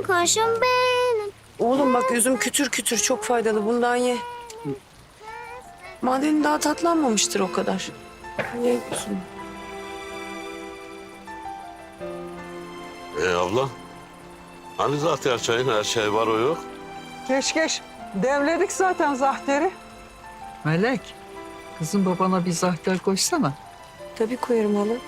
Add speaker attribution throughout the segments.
Speaker 1: kuşum benim.
Speaker 2: Oğlum bak üzüm kütür kütür çok faydalı. Bundan ye. Madenin daha tatlanmamıştır o kadar. Ye üzüm.
Speaker 3: Abla. Hani zaten çayın her şey var o yok.
Speaker 4: Geç. Devledik zaten zahteri. Melek, kızım babana bir zahter koysana.
Speaker 2: Tabii koyarım hala.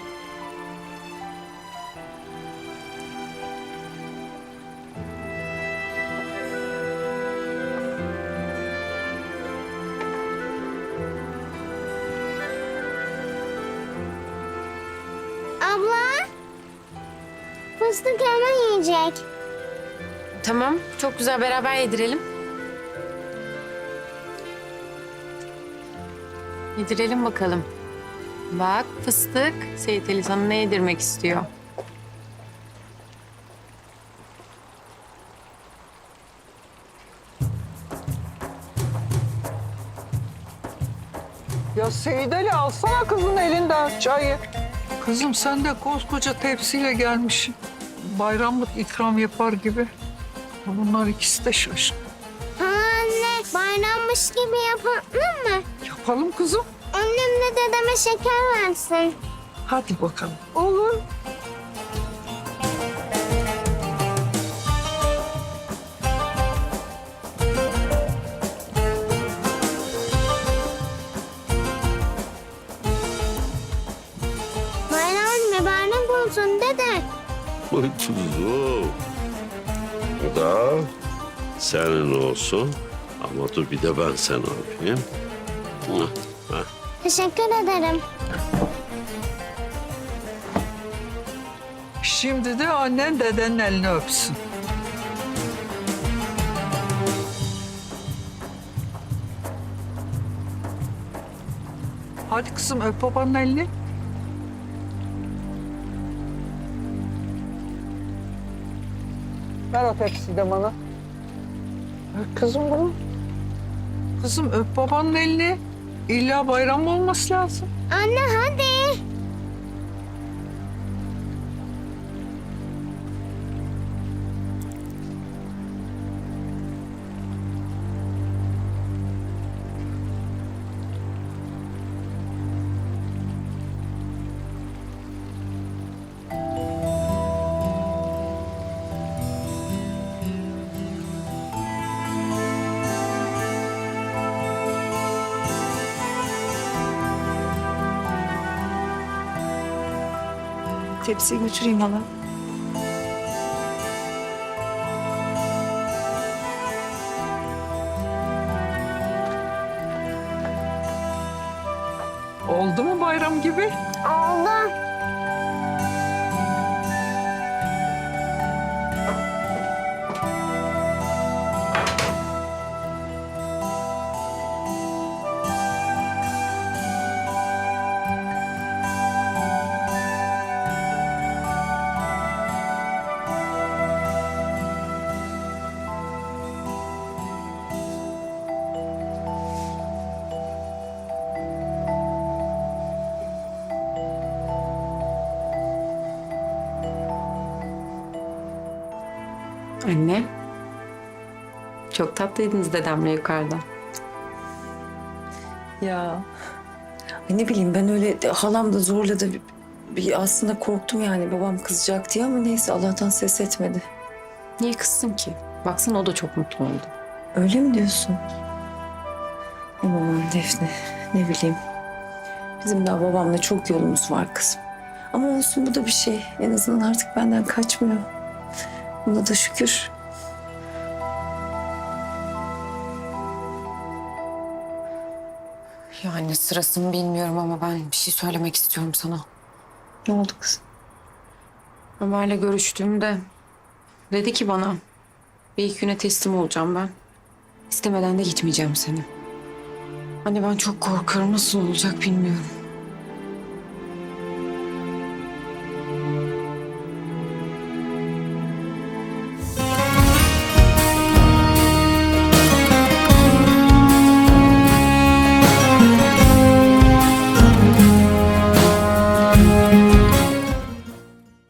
Speaker 1: Abla. Fıstık hemen yiyecek.
Speaker 5: Tamam, çok güzel. Beraber yedirelim. Yedirelim bakalım. Bak fıstık, Seyit Ali sana ne yedirmek istiyor?
Speaker 4: Ya Seyit Ali alsana kızın elinden çayı. Kızım sen de koskoca tepsiyle gelmişsin. Bayramlık ikram yapar gibi. Bunlar ikisi de şaşkın.
Speaker 1: Anne, bayrammış gibi yapalım mı?
Speaker 4: Yapalım kızım.
Speaker 1: Annem de dedeme şeker versin.
Speaker 4: Hadi bakalım. Olur.
Speaker 1: Bayram mübarek olsun dede.
Speaker 3: Uy kuzum. Bu da senin olsun. Ama dur bir de ben sen yapayım. Hah.
Speaker 1: Teşekkür ederim.
Speaker 4: Şimdi de annen dedenin elini öpsün. Hadi kızım öp babanın elini. Ver o tepsiyi de bana. Ver kızım bunu. Kızım öp babanın elini. İlla bayram olması lazım.
Speaker 1: Anne hadi.
Speaker 2: Tepsiyi götüreyim hala.
Speaker 4: Oldu mu bayram gibi?
Speaker 1: Oldu.
Speaker 5: Anne. Çok tatlıydınız dedemle yukarıda.
Speaker 2: Ya ay ne bileyim ben öyle halam da zorladı. Bir aslında korktum yani babam kızacak diye ama neyse Allah'tan ses etmedi.
Speaker 5: Niye kızsın ki? Baksana o da çok mutlu oldu.
Speaker 2: Öyle mi diyorsun? Aman Defne ne bileyim. Bizim daha babamla çok yolumuz var kızım. Ama olsun bu da bir şey. En azından artık benden kaçmıyor. Buna da şükür.
Speaker 5: Yani sırasını bilmiyorum ama ben bir şey söylemek istiyorum sana.
Speaker 2: Ne oldu kızım?
Speaker 5: Ömer'le görüştüğümde dedi ki bana bir iki güne teslim olacağım ben. İstemeden de gitmeyeceğim seni. Anne ben çok korkuyorum. Nasıl olacak bilmiyorum.